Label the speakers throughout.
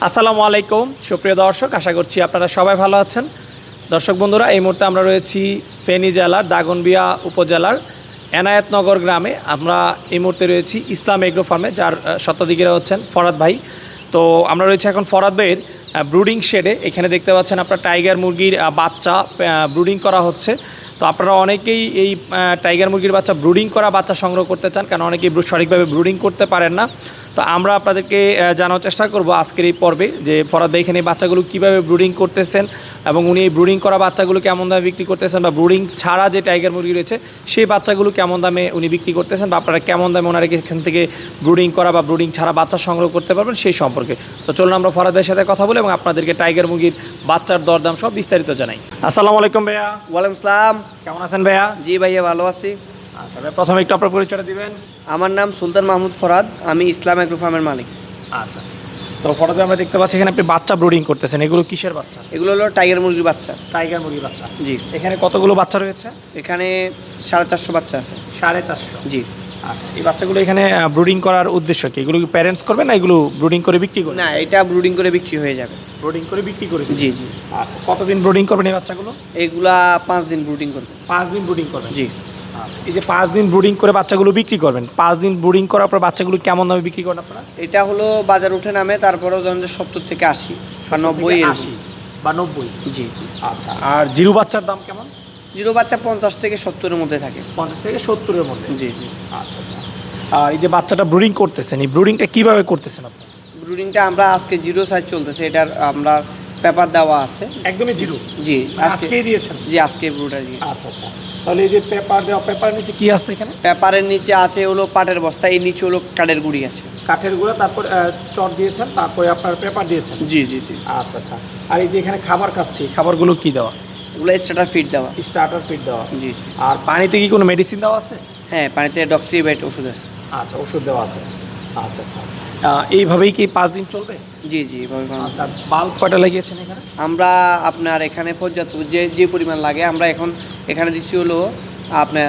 Speaker 1: আসসালামু আলাইকুম সুপ্রিয় দর্শক, আশা করছি আপনারা সবাই ভালো আছেন। দর্শক বন্ধুরা, এই মুহূর্তে আমরা রয়েছি ফেনী জেলার দাগনভূঞা উপজেলার এনায়েতনগর গ্রামে। আমরা এই মুহূর্তে রয়েছি ইসলাম এগ্রো ফার্মে, যার স্বত্বাধিকারী হচ্ছেন ফরহাদ ভাই। তো আমরা রয়েছি এখন ফরহাদ ভাইয়ের ব্রুডিং শেডে। এখানে দেখতে পাচ্ছেন আপনার টাইগার মুরগির বাচ্চা ব্রুডিং করা হচ্ছে। তো আপনারা অনেকেই এই টাইগার মুরগির বাচ্চা ব্রুডিং করা বাচ্চা সংগ্রহ করতে চান, কারণ অনেকেই সঠিকভাবে ব্রুডিং করতে পারেন না। তো আমরা আপনাদেরকে জানার চেষ্টা করব আজকের এই পর্বে যে ফরহাদ ভাই এখানে এই বাচ্চাগুলো কীভাবে ব্রুডিং করতেছেন এবং উনি এই ব্রুডিং করা বাচ্চাগুলো কেমন দামে বিক্রি করতেছেন, বা ব্রুডিং ছাড়া যে টাইগার মুরগি রয়েছে সেই বাচ্চাগুলো কেমন দামে উনি বিক্রি করতেছেন, বা আপনারা কেমন দামে ওনারা এখান থেকে ব্রুডিং করা বা ব্রুডিং ছাড়া বাচ্চা সংগ্রহ করতে পারবেন সেই সম্পর্কে। তো চলুন আমরা ফরহাদ ভাইয়ের সাথে কথা বলি এবং আপনাদেরকে টাইগার মুরগির বাচ্চার দরদাম সব বিস্তারিত জানাই। আসসালামু আলাইকুম ভাইয়া।
Speaker 2: ওয়ালাইকুম আসসালাম।
Speaker 1: কেমন আছেন ভাইয়া?
Speaker 2: জি ভাইয়া, ভালো আছি।
Speaker 1: আচ্ছা ভাই, প্রথমে একটু আপনার পরিচয়টা দিবেন।
Speaker 2: আমার নাম সুলতান মাহমুদ ফরহাদ, আমি ইসলাম এগ্রো ফার্মের মালিক।
Speaker 1: আচ্ছা, তো ফটোতে আমরা দেখতে পাচ্ছি এখানে আপনি বাচ্চা ব্রুডিং করতেছেন। এগুলো কিসের বাচ্চা?
Speaker 2: এগুলো হলো টাইগার মুরগির বাচ্চা।
Speaker 1: টাইগার মুরগির বাচ্চা।
Speaker 2: জি।
Speaker 1: এখানে কতগুলো বাচ্চা রয়েছে?
Speaker 2: এখানে 450 বাচ্চা আছে।
Speaker 1: 450?
Speaker 2: জি।
Speaker 1: আচ্ছা, এই বাচ্চাগুলো এখানে ব্রুডিং করার উদ্দেশ্য কি? এগুলো কি প্যারেন্টস করবে না এগুলো ব্রুডিং করে বিক্রি করবে?
Speaker 2: না, এটা ব্রুডিং করে বিক্রি হয়ে যাবে।
Speaker 1: ব্রুডিং করে বিক্রি করে?
Speaker 2: জি জি।
Speaker 1: আচ্ছা, কতদিন ব্রুডিং করবেন এই বাচ্চাগুলো?
Speaker 2: এগুলা 5 দিন ব্রুডিং করবে।
Speaker 1: 5 দিন ব্রুডিং করবেন?
Speaker 2: জি।
Speaker 1: আচ্ছা, এই যে 5 দিন ব্রুডিং করে বাচ্চাগুলো বিক্রি করবেন, 5 দিন ব্রুডিং করার পর বাচ্চাগুলো কেমন দামে বিক্রি করেন আপনারা?
Speaker 2: এটা হলো বাজার উঠে নামে, তারপরেও ধরেন 70 থেকে 80 বা 90
Speaker 1: 80 বা 90?
Speaker 2: জি জি।
Speaker 1: আচ্ছা, আর জিরো বাচ্চার দাম কেমন?
Speaker 2: জিরো বাচ্চা 50 থেকে 70-এর মধ্যে থাকে।
Speaker 1: 50 থেকে 70-এর মধ্যে?
Speaker 2: জি জি।
Speaker 1: আচ্ছা আচ্ছা। আর এই যে বাচ্চাটা ব্রুডিং করতেছেন, এই ব্রুডিংটা কীভাবে করতেছেন আপনি?
Speaker 2: ব্রুডিংটা আমরা আজকে জিরো সাইজ চলতেছে, এটার আমরা পেপার দেওয়া আছে।
Speaker 1: একদমই জিরো?
Speaker 2: জি,
Speaker 1: আজকেই দিয়েছেন?
Speaker 2: জি, আজকে ব্রুডার দিয়েছি।
Speaker 1: আচ্ছা আচ্ছা। তাহলে এই যে পেপার দেওয়া, পেপারের নিচে কি আছে এখানে?
Speaker 2: পেপারের নিচে আছে হলো পাটের বস্তা, এর নিচে হলো কাঠের গুঁড়ি আছে।
Speaker 1: কাঠের গুঁড়া, তারপর চট দিয়েছেন, তারপরে আপনার পেপার দিয়েছেন?
Speaker 2: জি জি জি।
Speaker 1: আচ্ছা আচ্ছা। আর এই যে এখানে খাবার খাচ্ছি, খাবারগুলো কি দেওয়া?
Speaker 2: ওগুলো স্টার্টার ফিড দেওয়া।
Speaker 1: স্টার্টার ফিড দেওয়া?
Speaker 2: জি জি।
Speaker 1: আর পানিতে কি কোনো মেডিসিন দেওয়া আছে?
Speaker 2: হ্যাঁ, পানিতে ডক্সিবেট ওষুধ আছে।
Speaker 1: আচ্ছা, ওষুধ দেওয়া আছে। আচ্ছা আচ্ছা। এইভাবেই কি 5 দিন চলবে?
Speaker 2: জি জি, এভাবে বানানো।
Speaker 1: আচ্ছা, বাল্ব কয়টা লাগিয়েছেন এখানে?
Speaker 2: আমরা আপনার এখানে পর্যাপ্ত যে পরিমাণ লাগে আমরা এখানে দিচ্ছি হলো আপনার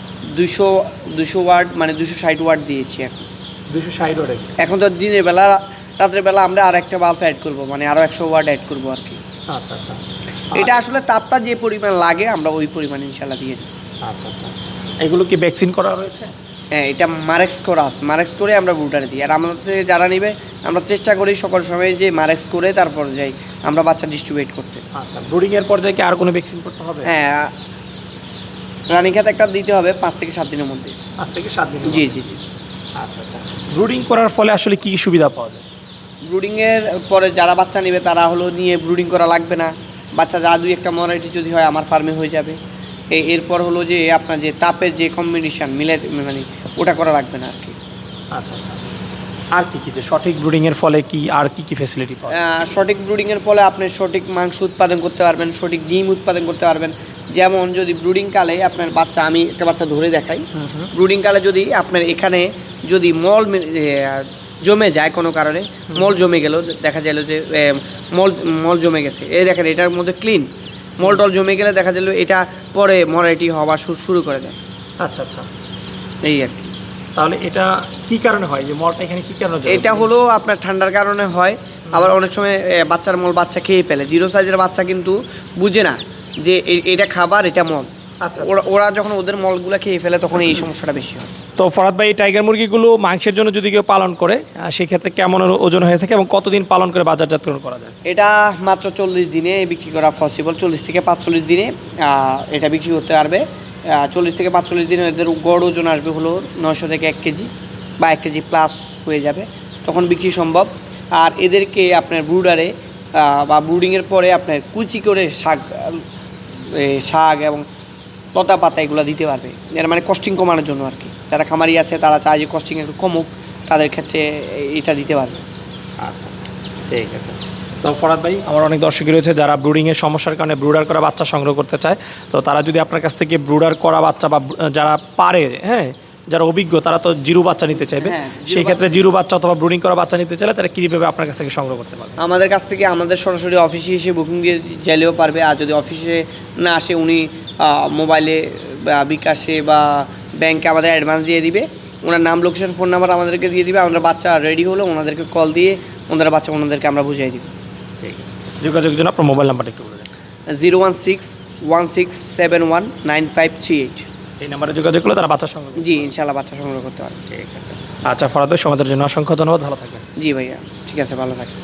Speaker 2: 200 ওয়াট, মানে 260 ওয়াট দিয়েছি এখন।
Speaker 1: 260 ওয়াট?
Speaker 2: এখন তো দিনের বেলা, রাতের বেলা আমরা আর একটা বাল্ব অ্যাড করব, মানে আরও 100 ওয়াট অ্যাড করবো আর কি।
Speaker 1: আচ্ছা আচ্ছা।
Speaker 2: এটা আসলে তাপটা যে পরিমাণ লাগে আমরা ওই পরিমাণ ইনশাল্লাহ দিয়ে দিই।
Speaker 1: আচ্ছা আচ্ছা। এগুলো কি ভ্যাকসিন করা রয়েছে?
Speaker 2: হ্যাঁ, এটা মারেক্স করা আছে, মারেক্স করে আমরা ব্রুডারে দিই। আর আমাদের থেকে যারা নেবে আমরা চেষ্টা করি সকল সময় যে মারেক্স করে তারপর যাই আমরা বাচ্চা ডিস্ট্রিবিউট করতে।
Speaker 1: আচ্ছা, ব্রুডিংয়ের পর্যায়ে কি আর কোনো ভ্যাকসিন করতে হবে?
Speaker 2: হ্যাঁ, রানীক্ষেত একটা দিতে হবে 5 থেকে 7 দিনের মধ্যে।
Speaker 1: 5 থেকে 7 দিন?
Speaker 2: জি জি জি।
Speaker 1: আচ্ছা আচ্ছা। ব্রুডিং করার ফলে আসলে কী কী সুবিধা পাওয়া যায়?
Speaker 2: ব্রুডিংয়ের পরে যারা বাচ্চা নেবে তারা হলো নিয়ে ব্রুডিং করা লাগবে না। বাচ্চা যা 2-1টা মরাইটি যদি হয় আমার ফার্মে হয়ে যাবে। এরপর হলো যে আপনার যে তাপের যে কম্বিনেশন মিলে, মানে ওটা করা লাগবে না আর কি।
Speaker 1: আচ্ছা আচ্ছা। আর কি কি যে সঠিক ব্রুডিংয়ের ফলে কি আর কি কি ফ্যাসিলিটি পাওয়া যায়?
Speaker 2: সঠিক ব্রুডিংয়ের ফলে আপনি সঠিক মাংস উৎপাদন করতে পারবেন, সঠিক ডিম উৎপাদন করতে পারবেন। যেমন যদি ব্রুডিং কালে আপনার বাচ্চা, আমি একটা বাচ্চা ধরে দেখাই। ব্রুডিং কালে যদি আপনার এখানে যদি জমে যায় কোনো কারণে, মল জমে গেল, দেখা গেল যে মল জমে গেছে, এই দেখেন এটার মধ্যে ক্লিন মল জমে গেলে দেখা গেল এটা পরে মরাইটি হওয়া শুরু করে দেয়।
Speaker 1: আচ্ছা আচ্ছা,
Speaker 2: এই আর কি।
Speaker 1: তাহলে এটা কি কারণে হয় যে মলটা এখানে কি কারণে জমে?
Speaker 2: এটা হলো আপনার ঠান্ডার কারণে হয়। আবার অনেক সময় বাচ্চার মল বাচ্চা খেয়ে ফেলে। জিরো সাইজের বাচ্চা কিন্তু বুঝে না যে এটা খাবার, এটা মল।
Speaker 1: আচ্ছা,
Speaker 2: ওরা যখন ওদের মলগুলো খেয়ে ফেলে তখন এই সমস্যাটা বেশি হয়।
Speaker 1: তো ফরহাদ ভাই, এই টাইগার মুরগিগুলো মাংসের জন্য যদি কেউ পালন করে সেক্ষেত্রে কেমন ওজন হয়ে থাকে এবং কতদিন পালন করে বাজারজাতকরণ করা যায়?
Speaker 2: এটা মাত্র 40 দিনে বিক্রি করা পসিবল। 40 থেকে 45 দিনে এটা বিক্রি করতে পারবে। 40 থেকে 45 দিনে এদের গড় ওজন আসবে হলো 900 থেকে 1 কেজি বা 1 কেজি প্লাস হয়ে যাবে, তখন বিক্রি সম্ভব। আর এদেরকে আপনার ব্রুডারে বা ব্রুডিংয়ের পরে আপনার কুচি করে শাক এবং লতা পাতা এগুলো দিতে পারবে। এর মানে কস্টিং কমানোর জন্য আর কি। যারা খামারি আছে তারা চায় যে কস্টিং একটু কমুক, তাদের ক্ষেত্রে এটা দিতে পারবে।
Speaker 1: আচ্ছা আচ্ছা, ঠিক আছে। তো ফরহাদ ভাই, আমার অনেক দর্শকই রয়েছে যারা ব্রুডিংয়ের সমস্যার কারণে ব্রুডার করা বাচ্চা সংগ্রহ করতে চায়। তো তারা যদি আপনার কাছ থেকে ব্রুডার করা বাচ্চা বা যারা পারে, হ্যাঁ, যারা অভিজ্ঞ, তারা তো জিরো বাচ্চা নিতে চাইবে। সেই ক্ষেত্রে জিরো বাচ্চা অথবা ব্রুডিং করা বাচ্চা নিতে চাইলে তারা কীভাবে আপনার কাছ থেকে সংগ্রহ করতে পারবে?
Speaker 2: আমাদের কাছ থেকে আমাদের সরাসরি অফিসে এসে বুকিং দিয়ে চাইলেও পারবে। আর যদি অফিসে না আসে, উনি মোবাইলে বা বিকাশে বা ব্যাংকে আমাদের অ্যাডভান্স দিয়ে দিবে। ওনার নাম, লোকেশন, ফোন নাম্বার আমাদেরকে দিয়ে দিবে। আমরা বাচ্চা রেডি হলো ওনাদেরকে কল দিয়ে ওনারা বাচ্চা ওনাদেরকে আমরা বুঝিয়ে দিব।
Speaker 1: ঠিক আছে, যোগাযোগের জন্য আপনার মোবাইল নাম্বারটা একটু বলে দেন।
Speaker 2: 01616719538।
Speaker 1: এই নাম্বারে যোগাযোগ করলে তারা বাচ্চা সংগ্রহ করবে।
Speaker 2: জি ইনশাল্লাহ বাচ্চা সংগ্রহ করতে পারবেন।
Speaker 1: ঠিক আছে। আচ্ছা ফরাদ ভাই, সময়ের জন্য অসংখ্য ধন্যবাদ, ভালো থাকবেন।
Speaker 2: জি ভাইয়া, ঠিক আছে, ভালো থাকেন।